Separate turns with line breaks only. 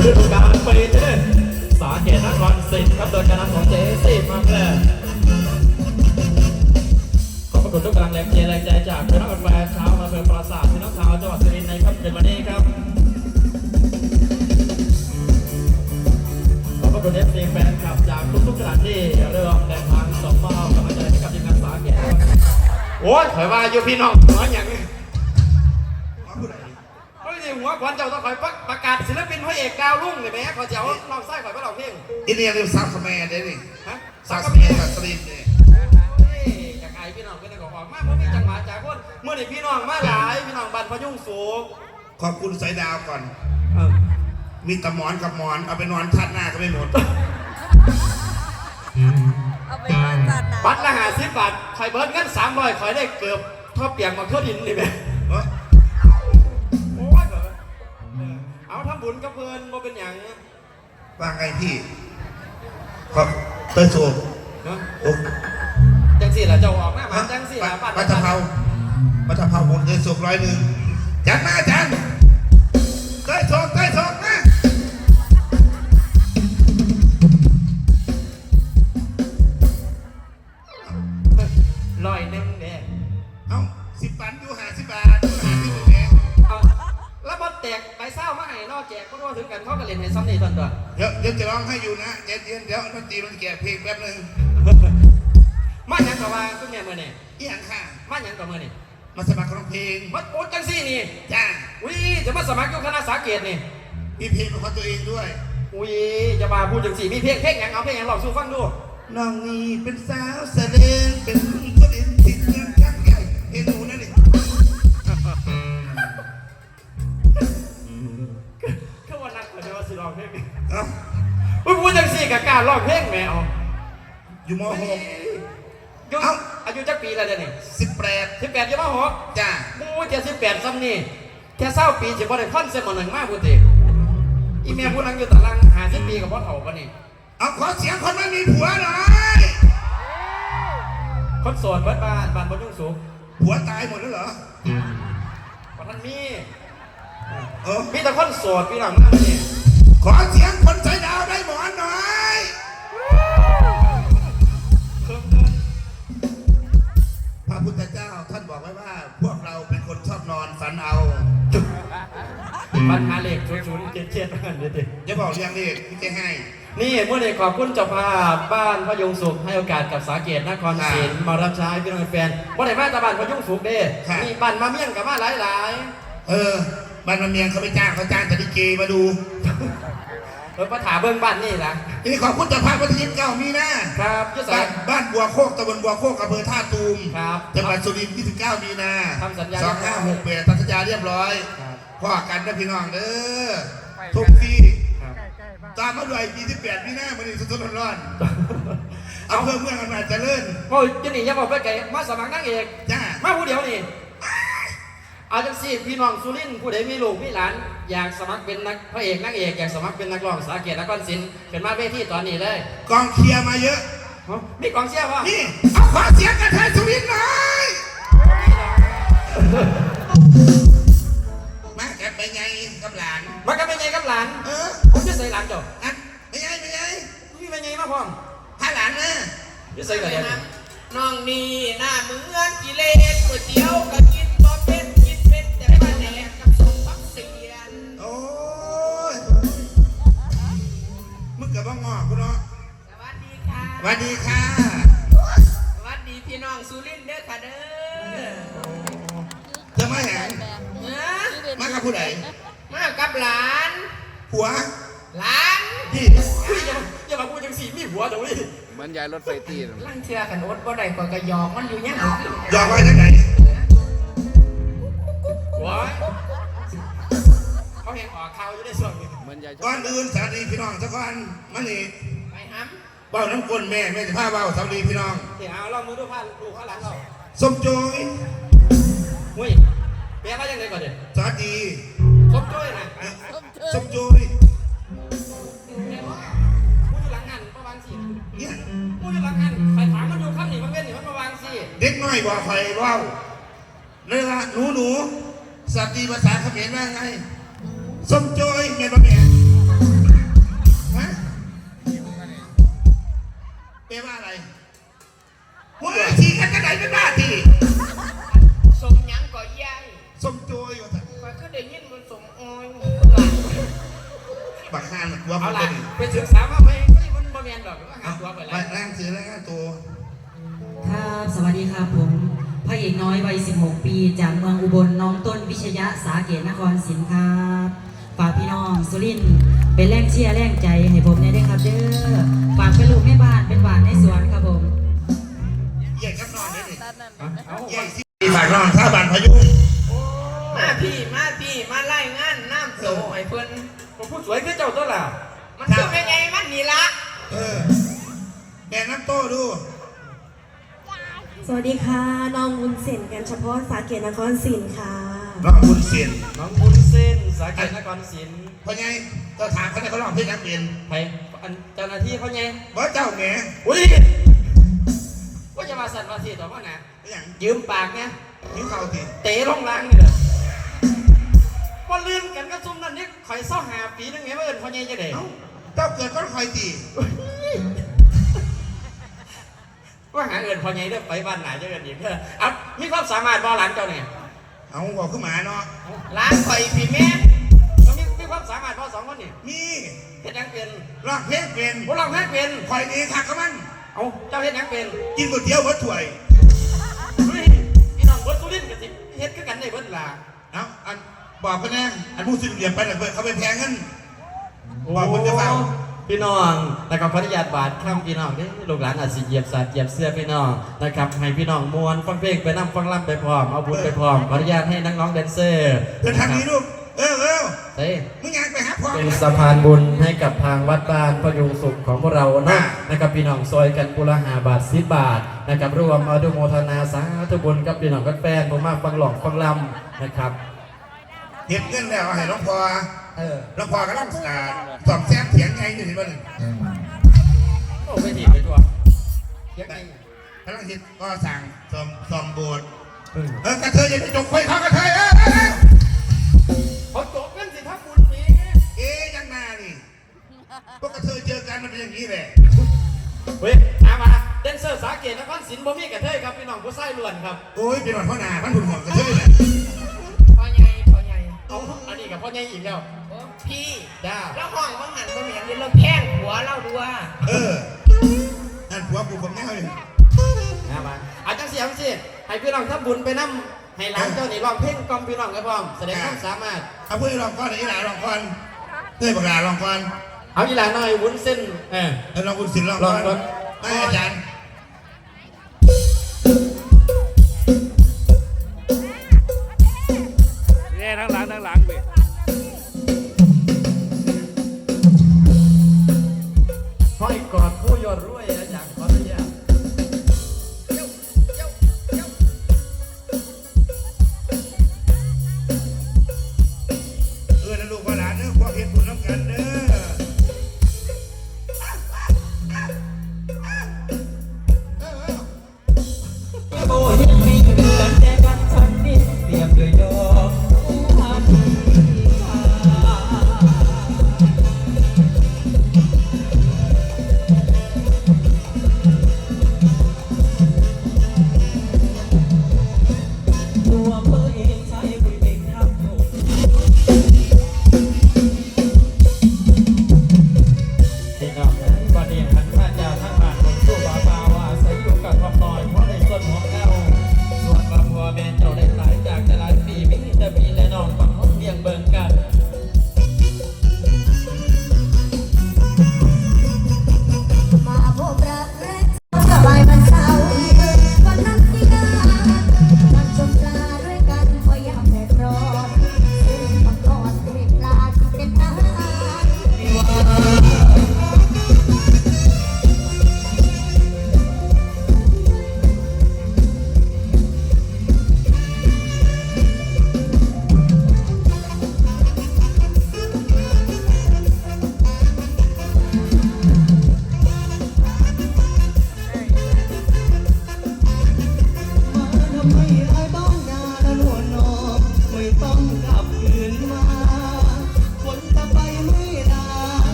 ฤดูกาลปีที่สาเกตนครศรีครับโดยการนำของเจซี่มาแพร่ขอบพระคุณทุกกำลังแรงเชียร์แรงใจจากพี่น้องแฟนชาวอำเภอปราสาทพี่น้องชาวจังหวัดสุรินทร์ในค่ำคืนวันนี้ครับขอบพระคุณFCแฟนคลับจากทุกๆสถานที่เริ่มเดินทางส่งมอบกำลังใจให้กับทีมงานสาเกตโอ้ยถอยมาอยู่พี่น้องหัวอย่างนี้เฮ้ยหัวขวัญเจ้าต้องคอยประกาศศิลปินพระเอกดาวรุ่งเลยไหมขอเจ้าลองไส้ข่อยไปลองเพลง
อินเดียเรียกซักสแมนได้ดิ
ฮะ
ซักสแมนกับสลินเนี่ย
จากไอพี่น้องก็ได้ออกมาเมื่อมีจังหวะจากคนเมื่อนี่พี่น้องมาหลายพี่น้องบันพยุ่งสูง
ขอบคุณสายดาวก่อนมีตะหมอนกับหมอนเอาไปนอนทัดหน้าก็ไม่หมด
เอาไปนอนทัดหน้า
บัตรละ50 บาทคอยเบิร์ดเงิน300คอยได้เกือบท่อเปียกมาทั่วดินนี่ไหมโอ้ยเอาทำบุญกับเพื่อนมาเป็นอย่าง
ว่าไงพี่ครับเตยโซ่
จังสี่ละเจ้าออกมาจังสี่ละ
บัตรเผาบนเตยโซ่100จัดมาจันเตยโซ่นะ
100เนี่ย
เอา10 ปันอยู่50 บาท50แพง
แล้วบอลแตกไปเศร้ามาให้นอกแจกก็รู้ถึงกันเขาก็เล่นให้ซ้ำนี่ตอนตัว
เดี๋ยวจะร้องให้อยู่นะเย็นเดี๋ยวดนตรีมันแก่เพลงแป๊บนึง
มาอย่างกับว่าคุณแม่เมื่อนี่
อย่างค่ะ
มาอย่างกับเมื่อนี่
มาสมัครร้องเพลง
มาโอ๊ตจังซี่นี่
จ้า
อุ้ยจะมาสมัครอยู่คณะสาเกตนี่
มีเพลงของตัวเองด้วย
อุ้ยจะมาพูดจังซี่มีเพลงอย่างเอาเพลงอย่างลองสู้ฟังดู
น้องนี่เป็นสาวเสด็จเป็นตัวเด่นติดเงินข้างใหญ่เอ็นหนูนั่นเอง
ก็วันนั้นเดี๋ยวสิร้องเพลงนี่อุ้ยพูดจังซี่กับการร้องเพลงแมว
อยู่ม.6
อายุจักปีแล้วเดี๋ยวนี้18อยู่ม.6
จ้า
มูจะ18ซ้ำนี่แค่20 ปีจะบ่ได้คอนเสิร์ตมาหนึ่งมากพูดดิอีเมียพูดนั่งอยู่ตาราง50 ปีกับพ่อเฒ่าปะนี่
เอาขอเสียงคนไม่มีผัวหน่อย
คนโสดบ้านบ่ยุ่งสูง
ผัวตายหมดแล้วเหรอ
ท่านมีแต่คนโสดพี่หลังมากนี่
ขอเสียงคนใจดาวได้หมอนหน่อยพระพุทธเจ้าท่านบอกไว้ว่าพวกเราเป็นคนชอบนอนฝันเอา
ปัญหาเหล็ก0077นั่นเด็ด
อย่าบอกเรื่องนี้พี่จะให้
นี่เมื่อเด็กขอบคุณเจ้าภาพบ้านพยุงสุขให้โอกาสกับสาเกตนครศรีมารับใช้พี่น้องแฟนว่าแต่บ้านตาบ้านพยุงสุขเด้มีบ้านมาเมี่ยงกับบ้านหลาย
บ้านมาเมียงเขาไม่จ้างเขาจ้างแต่ดิเกมาดู
มาถาเบิ้งบ้านนี่นะ
นี่ขอบคุณเจ้าภาพวันที่29 มีนะครับบ้านบัวโคกตำบลบัวโคกอำเภอท่าตูมจังหวัดสุรินทร์29 มีนา
ทำสัญญา
2568ตัดสัญญาเรียบร้อยพ่อกันนะพี่น้องเด้อทุกที่ตามมาด้วย28 มีนามันนี่สดๆร้อนๆเอาเพื่อเมืองอำนาจเจริญ
โอ้ยจะหนียังบอกไปไกลมาสมัครนางเอก
จ้า
มาผู้เดียวนี่เอาจังสิพี่น้องสุรินทร์ผู้ใดมีลูกมีหลานอยากสมัครเป็นนักพระเอกนางเอกอยากสมัครเป็นนักร้องสาเกตนครศรีเป็นมาเวทีตอนนี้เลย
กองเชียร์มาเยอะ
มีกองเชียร์ป่ะ
นี่เอาขอเสียงกันไทยสุรินทร์หน่อยมากันไปไงกับหลาน
มากันไปไงกับหลานผมจะใส่หลานจ้ะ
ไม่ไง
พี่ไปไงมาพ่อม
พาหลานนะ
จะใส่กัน
น้องนี่หน้าเหมือนกิเลสก๋วยเตี๋ยวก็กินบ่เป็นแต่บ้านแหนกับส้มปักเสียน
โอ้ยมึงกับบ้างงอกูเนาะ
สวัสดีค่ะ
สวัสดีค่ะ
สวัสดีพี่น้องสุรินทร์เด้อค่ะเด้อ
จะมาแหงมากับผู้ใด
มากับหลาน
ผัว
หลาน
พี่อย่ามาพูดจังสีมีหัวเดี๋ยวนี้
เหมือนยายรถไฟตีน
ลั่งเชื่อกันอดบ่ได้ก็ยอมมันอยู่ยัง
ยอมไว้ที่ไหน
ว้ายเขาเห็นออกข่าวอยู่ในส่วนนี้
เหมือนยาย
ก่อนอื่นสวัสดีพี่น้องทุกคนมานี่
ไปฮัม
เบ้าน้ำก้นแม่จะพาเบ้าสวัสดีพี่น้อง
เดี๋ยวเอาเรามือดูผ้าดูข้างหลังเรา
สมโจย
หุ้ยแปลว่ายังไงก่อนเดี๋ยว
สวัสดี
สมโจยนะ
สมโจย
หลังหันประวังสิเนี่ยพูดหลังหันใครถามมันดูข้ามหนีมันเว้นหนีมันประวังสิ
เด็กน้อยบอกใครว่าเลยละหนูสัตว์ดีภาษาเขมรว่าไงสมโจยเมียนบ่เมียนฮะแปลว่าอะไรเฮ้ยทีกันจะไหนไม่ได้ที
สมหยังก่อยาย
สมโจยอยู่แต่
ข้อยก็ได้ยินมันสมออย
บักฮานกลัว
เอา
มัน
ล่ะ
เป็น
ไปศึกษามาไหมมันบ่แม่นดอกหาตัวไปแล้ว
ร่างถือแล้วตัว
ครับสวัสดีครับผมพระเอกน้อยวัย 16 ปีจากเมืองอุบลน้องต้นวิชยะสาเกตนครศรีครับฝากพี่น้องสุรินทร์เป็นแรงเชียร์แรงใจให้ผมได้ด้วยครับเด้อฝากเป็นลูกแม่บ้านเป็นหวานในสวนครับผม
ใหญ่กับนอนได้ดิ
เอา
ใหญ่สิฝากนอนท่าบานพายุ
มาพี่มาไล่งานน้ำโตไอ้เพิ่น
ผมผู้สวยคือเจ้าตัวล่ะ
มันคือเป็นไงมันนี่ละ
แกน้ำโต้ดู
สวัสดีค่ะ น้องวุ้นเส้นกันเฉพาะสาเกตนครศรีค่ะ
น้องบุญเสียน
น้องบุญเส้นสาเกตนครศิลป์
เพราะไงเราถามเขาเนี่ยเขาลองเพลงนักเรียน
ไปอันเจ้าหน้าที่เขาไง
ว่าเจ้าแหม
อุ้ยว่าจะมาสั่นมาทีต่อว่านะ
อย่าง
ยืมปากเนี่ย
นิ้วเข่าที
เตะลงล่างนี่เลยว่าลืมกันก็ซุ่มนั่นนี่ข่อยเศร้าหาปีนึงไงว่าเอิญพ่อใหญ่จะเด็ก
เจ้าเกิดก็คอยตี
ว่าหาเอิญพ่อใหญ่เด้อไปบ้านไหนจะเอิญอีกเด้อเอามีความสามารถบ่หลานเจ้าเนี่ย
เอาบอกขึ้นมาเนาะ
ร้านข่อยพี่แม่
ก็มีความสามารถบ่สองคนนี่
มี
เฮ็ดหยังเป็น
ร้องเพลงเป็น
พวกเราแพ้เป็น
คอยดีคักกับมัน
เอาเจ้าเฮ็ดหยังเป็น
กินก๋วยเตี๋ยววัดถ้วย
เฮ้ยพี่น้องเบิร์ดสุรินทร์กันสิเฮ็ดคือกันได้เบิร์ดล่ะ
เอาอันบอกเขาแน่อันผู้สิ้นเหลี่ยมไปเลยเขาไปแพงเงินบอกคนจะเฝ้า
พี่น้องแล้วก็ขออนุญาตบาดคำพี่น้องเด้ลูกหลานอาจสิเหยียบสัตว์เหยียบเสื้อพี่น้องนะครับให้พี่น้องมวนฟังเพลงไปนั่งฟังล่ำไปพร้อมเอาบุญไปพร้อมขออนุญาตให้นักร้องแดนเซอร์
เดินทางนี้ลูกเฮ้ย
เฮ้ย
มึงอยากไปหาพ่อ
เป็นสะพานบุญให้กับทางวัดบ้านพยุงสุขของพวกเรานะครับพี่น้องซอยกันกุละ5 บาท10 บาทนะครับรวมอนุโมทนาสาธุบุญกับพี่น้องกับแฟนผมมากฟังหลอกฟังลำนะครับ
เห็นเงินแล้วให้หลวงพ่อหลวงพ่อกำลังสอบแซมเสียงไงอยู่ที่มัน
โอ้ไม่ดีไปตัวยังไง
กำลังคิดก็สั่งสอมโบสถ์กระเทยอย่าไปจกไฟเขากระเทย
เขาจบกันสิทับบุญนี้
ยังนานี่พวกกระเทยเจอกันมันเป็นอย่างนี้แหละ
เฮ้ยมาแดนเซอร์สาเกตนครศิลป์บ่มีกระเทยครับพี่น้องผู้ชายล้วนครับ
โอ้ยเป็นวันพ่อนาพันหุ่นหัวกระเทยเลย
พ่อใหญ่
เอาอันนี้กับพ่อใหญ่อีกแล้ว
โอ้พี่
จ้า
แล้วห้องว่าหันก็เหมือนเราแพงหัวเราด้วย
นั่นผัวกูผมแน่เลย
มาอาจารย์เสียงสิให้พี่น้องทำบุญไปนั่ให้หลานเจ้านี่ร้องเพลงกล่อมพี่น้องกันพร้อมแสดงความสามารถ
เอาพูดลองก่อนอีหลาลองก่อนเต้ยบักหลาลองก่อน
เอาอีหลานหน่อยวุ้นเส้น
ลองคุณศิลป์ลองก่อนอาจารย์
เนี่ยทั้งหลังไป